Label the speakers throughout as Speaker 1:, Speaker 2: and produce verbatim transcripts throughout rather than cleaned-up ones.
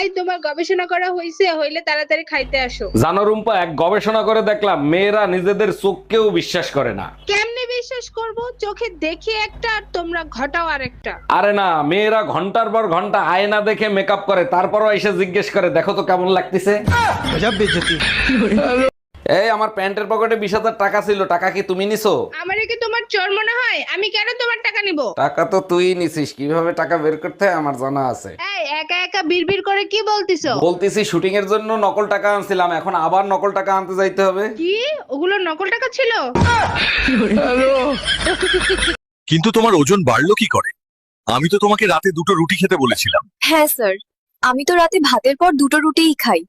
Speaker 1: এই তোমার গবেষণা করা হইছে, হইলে তাড়াতাড়ি খাইতে আসো।
Speaker 2: জানো রুম্পা, এক গবেষণা করে দেখলাম মেয়েরা নিজেদের চোখকেও বিশ্বাস করে না।
Speaker 1: কেমনে বিশ্বাস করব? চোখে দেখি একটা আর তোমরা ঘটাও আরেকটা।
Speaker 2: আরে না, মেয়েরা ঘন্টার পর ঘন্টা আয়না দেখে মেকআপ করে, তারপরও এসে জিজ্ঞেস করে দেখো তো কেমন লাগতেছে। এই আমার প্যান্টের পকেটে বিশ হাজার টাকা ছিল, টাকা কি তুমি নিছো?
Speaker 1: আমারে কি তোমার চোর মনে হয়? আমি কেন তোমার টাকা নিব?
Speaker 2: টাকা তো তুই নিছিস, কিভাবে টাকা বের করতে হয় আমার জানা আছে।
Speaker 1: এই একা একা বিড়বিড় করে কি বলতিছো?
Speaker 2: বলতেছি শুটিং এর জন্য নকল টাকা আনছিলাম, এখন আবার নকল টাকা আনতে যাইতে হবে।
Speaker 1: কি ওগুলো নকল টাকা ছিল?
Speaker 3: কিন্তু তোমার ওজন বাড়লো কি করে? আমি তো তোমাকে রাতে দুটো রুটি খেতে বলেছিলাম।
Speaker 4: হ্যাঁ স্যার, আমি তো রাতে ভাতের পর দুটো রুটিই খাই।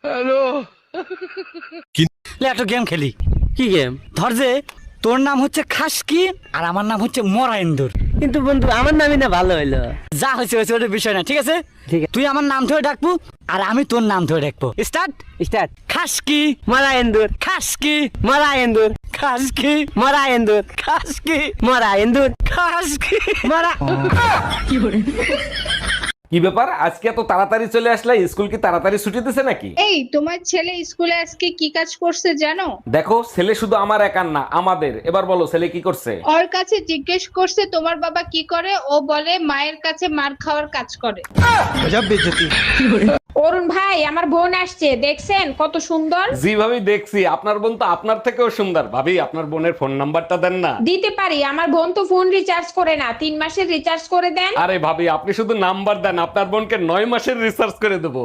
Speaker 5: একটা গেম খেলি। কি গেম? ধর যে তোর নাম হচ্ছে খাসকি আর আমার নাম হচ্ছে মরাইন্দুর, কিন্তু বন্ধু আমার নামই না ভালো হইলো। যা হয়েছে হয়েছে, ওটা বিষয় না, ঠিক আছে? ঠিক আছে, তুই আমার নাম ধরে ডাকবো আর আমি তোর নাম ধরে ডাকবো। স্টার্ট স্টার্ট খাসকি মরাইন্দুর, খাসকি মরাইন্দুর, খাসকি মরাইন্দুর, খাসকি মরাইন্দুর, খাসকি মরা।
Speaker 2: কি ব্যাপার, আজকে এত তাড়াতাড়ি চলে আসলে? স্কুল কি তাড়াতাড়ি ছুটি দিছে নাকি?
Speaker 1: এই তোমার ছেলে স্কুলে আজকে কি কাজ করছে জানো?
Speaker 2: দেখো, ছেলে শুধু আমার একার না, আমাদের। এবার বলো ছেলে কি করছে?
Speaker 1: ওর কাছে জিজ্ঞেস করছে তোমার বাবা কি করে, ও বলে মায়ের কাছে মার খাওয়ার কাজ করে।
Speaker 6: অরুণ ভাই, আমার বোন আসছে, দেখছেন কত সুন্দর?
Speaker 2: জি ভাবি দেখছি, আপনার বোন তো আপনার থেকেও সুন্দর। ভাবি আপনার বোনের ফোন নাম্বারটা দেন না।
Speaker 6: দিতে পারি, আমার বোন তো ফোন রিচার্জ করে না, তিন মাসের রিচার্জ করে দেন।
Speaker 2: আরে ভাবি আপনি শুধু নাম্বার দেন, আপনার বোনকে নয় মাসের রিসার্চ করে দেবো।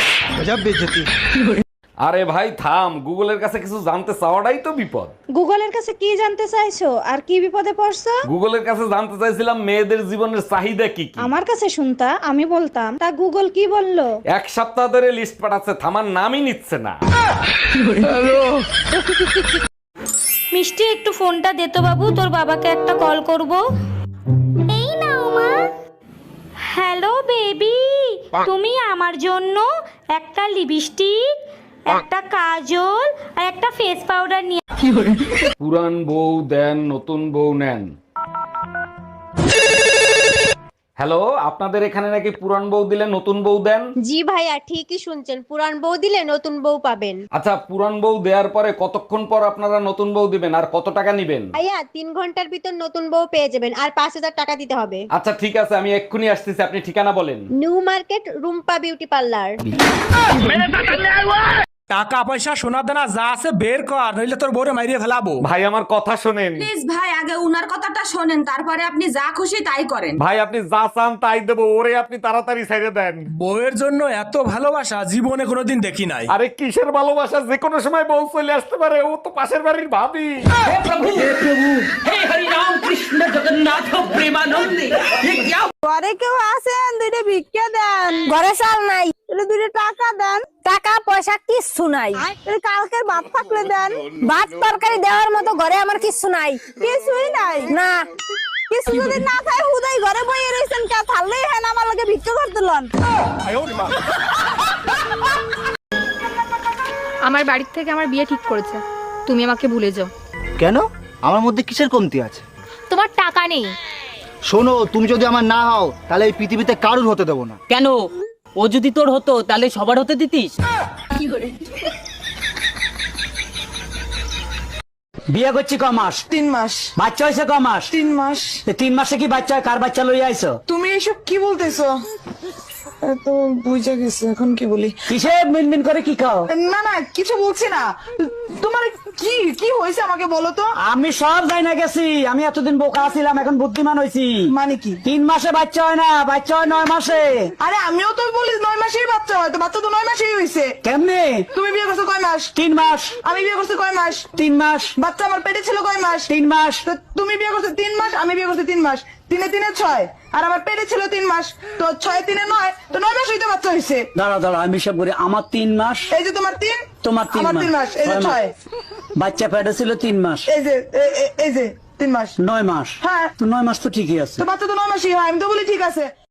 Speaker 2: আরে ভাই থাম, গুগলের কাছে কিছু জানতে চাওয়াটাই তো বিপদ।
Speaker 7: গুগলের কাছে কি জানতে চাইছো আর কি বিপদে পড়ছো?
Speaker 2: গুগলের কাছে জানতে চাইছিলাম মেয়েদের জীবনের চাহিদা কি কি।
Speaker 7: আমার কাছে শুনতা, আমি বলতাম, তা গুগল কি বললো?
Speaker 2: এক সপ্তাহ ধরে লিস্ট পাঠাচ্ছে, থামার নামই নিচ্ছে না।
Speaker 8: মিষ্টি, একটু ফোনটা দে তো বাবু, তোর বাবাকে একটা কল করব। এই নাও মা। হ্যালো বেবি, তুমি আমার জন্য একটা লিপস্টিক, একটা কাজল আর একটা ফেস পাউডার নিয়ে।
Speaker 2: পুরান বউ দেন, নতুন বউ নেন। হ্যালো, আপনাদের এখানে নাকি পুরান বউ দিলে নতুন বউ দেন?
Speaker 7: জি ভাইয়া, ঠিকই শুনছেন, পুরান বউ দিলে নতুন বউ পাবেন।
Speaker 2: আচ্ছা, পুরান বউ দেওয়ার পরে কতক্ষণ পর আপনারা নতুন বউ দিবেন আর কত টাকা নিবেন?
Speaker 7: ভাইয়া, তিন ঘন্টার ভিতর নতুন বউ পেয়ে যাবেন, আর পাঁচ হাজার টাকা দিতে হবে।
Speaker 2: আচ্ছা ঠিক আছে, আমি এক্ষুনি আসতেছি, আপনি ঠিকানা বলেন।
Speaker 7: New market, Rumpa beauty parlour.
Speaker 9: টাকা পয়সা সোনা দানা যা আছে বের কর, নইলে তোর বউরে মাইরিয়ে ফেলাবো।
Speaker 2: ভাই আমার কথা শোনেন।
Speaker 10: প্লিজ ভাই, আগে উনার কথাটা শোনেন, তারপরে আপনি যা খুশি তাই করেন।
Speaker 2: ভাই আপনি যা চান তাই দেবো, ওরে আপনি তাড়াতাড়ি ছেড়ে দেন।
Speaker 9: বউয়ের জন্য এত ভালোবাসা জীবনে কোনোদিন দেখি নাই।
Speaker 2: আরে কিসের ভালোবাসা, যে কোনো সময় বউ চলে আসতে পারে, ও তো পাশের বাড়ির ভাবি। হে প্রভু হে প্রভু হে হরি রাম কৃষ্ণ জগন্নাথ প্রেমানন্দে।
Speaker 7: ঘরে কেউ আছেন? দুইটা ভিক্ষা দেন। ঘরে চাল নাই, দুইটা টাকা দেন। টাকা পয়সা কিচ্ছু নাই, কালকের ভাত থাকলে দেন। ভাত তরকারি দেওয়ার মতো ঘরে আমার কিচ্ছু নাই। কিছুই নাই না, কিছু যদি না খাই হুদাই ঘরে বইয়ে রয়েছেন, কে থাললেই হয় না আমার লগে ভিক্ষা করতে লন।
Speaker 8: আমার বাড়ির থেকে আমার বিয়ে ঠিক করেছে, তুমি আমাকে ভুলে যাও।
Speaker 5: কেন? আমার মধ্যে কিসের কমতি আছে?
Speaker 8: তোমার টাকা নেই।
Speaker 5: শোনো, তুমি যদি আমার না হও তাহলে এই পৃথিবীতে কারুর হতে দেবো না।
Speaker 11: কেন? ও যদি তোর হতো তাহলে সবার হতে দিতিস?
Speaker 5: বিয়ে করছি ক মাস?
Speaker 10: তিন মাস।
Speaker 5: বাচ্চা হয়েছে ক মাস?
Speaker 10: তিন মাস।
Speaker 5: তিন মাসে কি বাচ্চা হয়? কার বাচ্চা লইয়া আইছো?
Speaker 10: তুমি এসব কি বলতেছো? তো বুঝে গেছে, এখন কি বলি?
Speaker 5: কিসে মিনমিন করে কি খাও?
Speaker 10: না না, কিছু বলছি না। তোমার কি কি হয়েছে আমাকে বলো তো।
Speaker 5: আমি সব যাই না গেছি, আমি এতদিন বোকা ছিলাম, এখন বুদ্ধিমান হয়েছি।
Speaker 10: মানে কি?
Speaker 5: তিন মাসে বাচ্চা হয় না, বাচ্চা হয় নয় মাসে।
Speaker 10: আরে আমিও তো বলি নয় মাসেই বাচ্চা হয়, তো বাচ্চা তো নয় মাসেই হয়েছে।
Speaker 5: কেমনে?
Speaker 10: তুমি বিয়ে করছো কয় মাস?
Speaker 5: তিন মাস।
Speaker 10: আমি বিয়ে করছি কয় মাস?
Speaker 5: তিন মাস।
Speaker 10: বাচ্চা আমার পেটে ছিল কয় মাস?
Speaker 5: তিন মাস।
Speaker 10: তো তুমি বিয়ে করছো তিন মাস, আমি বিয়ে করছি তিন মাস, তিনে তিনে ছয়, আর আমার পেটে ছিল তিন মাস, তো ছয় তিনে নয়, তো নয় মাস হইতে বাচ্চা হয়েছে।
Speaker 5: দাঁড়া দাঁড়া, আমি সব করি। আমার তিন মাস,
Speaker 10: এই যে তোমার তিন,
Speaker 5: তোমার তিন
Speaker 10: আমার তিন মাস, এই যে ছয়।
Speaker 5: বাচ্চা পেটে ছিল তিন মাস,
Speaker 10: এই যে এ- এ- এই যে তিন মাস,
Speaker 5: নয় মাস।
Speaker 10: হ্যাঁ
Speaker 5: তো নয় মাস তো ঠিকই আছে।
Speaker 10: তো বাচ্চা তো নয় মাসই হয়, আমি তো বলি ঠিক আছে।